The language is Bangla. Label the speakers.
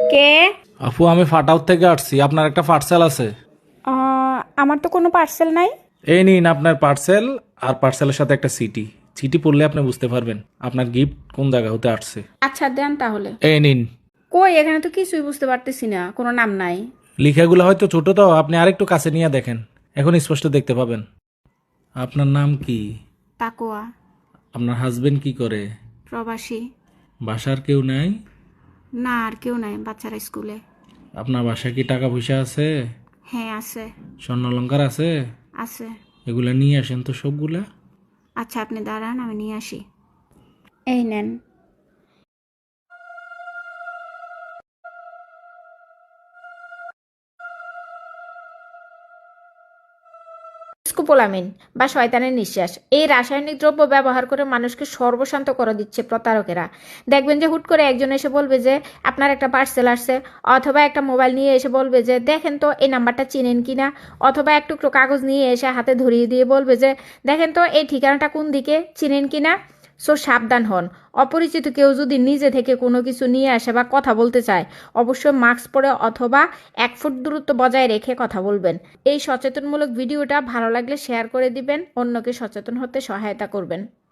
Speaker 1: কে?
Speaker 2: আপু আমি ফাটাউট থেকে আসছি, আপনার একটা পার্সেল আছে।
Speaker 1: আমার তো কোনো পার্সেল নাই।
Speaker 2: এই নিন আপনার পার্সেল, আর পার্সেলের সাথে একটা সিটি। চিঠি পড়লে আপনি বুঝতে পারবেন আপনার গিফট কোন জায়গা হতে আসছে।
Speaker 1: আচ্ছা দেন তাহলে।
Speaker 2: এই নিন।
Speaker 1: কই, এখানে তো কিছুই বুঝতে পারতেছি না, কোনো নাম নাই।
Speaker 2: লেখাগুলো হয়তো ছোট, তো আপনি আরেকটু কাছে নিয়ে দেখেন, এখন স্পষ্ট দেখতে পাবেন। আপনার নাম কি?
Speaker 1: তাকোয়া।
Speaker 2: আপনার হাজবেন্ড কি করে?
Speaker 1: প্রবাসী।
Speaker 2: বাসার কেউ নাই?
Speaker 1: না, আর কেউ নাই, বাচ্চারা স্কুলে।
Speaker 2: আপনার বাসায় কি টাকা পয়সা আছে?
Speaker 1: হ্যাঁ আছে।
Speaker 2: স্বর্ণ অলংকার আছে?
Speaker 1: আছে।
Speaker 2: এগুলা নিয়ে আসেন তো সবগুলা।
Speaker 1: আচ্ছা আপনি দাঁড়ান, আমি নিয়ে আসি। এই নেন। স্কোপোলামিন বা শয়তানের নিঃশ্বাস, এই রাসায়নিক দ্রব্য ব্যবহার করে মানুষকে সর্বশান্ত করে দিচ্ছে প্রতারকেরা। দেখবেন যে হুট করে একজন এসে বলবে যে আপনার একটা পার্সেল আসছে, অথবা একটা মোবাইল নিয়ে এসে বলবে যে দেখেন তো এই নাম্বারটা চিনেন কিনা, অথবা এক টুকরো কাগজ নিয়ে এসে হাতে ধরিয়ে দিয়ে বলবে যে দেখেন তো এই ঠিকানাটা কোন দিকে, চিনেন কিনা। সো সাবধান হন। অপরিচিত কেউ যদি নিজে থেকে কোনো কিছু নিয়ে আসে বা কথা বলতে চায়, অবশ্যই মাস্ক পরে অথবা 1 ফুট দূরত্ব বজায় রেখে কথা বলবেন। এই সচেতনমূলক ভিডিওটা ভালো লাগলে শেয়ার করে দিবেন, অন্যকে সচেতন হতে সহায়তা করবেন।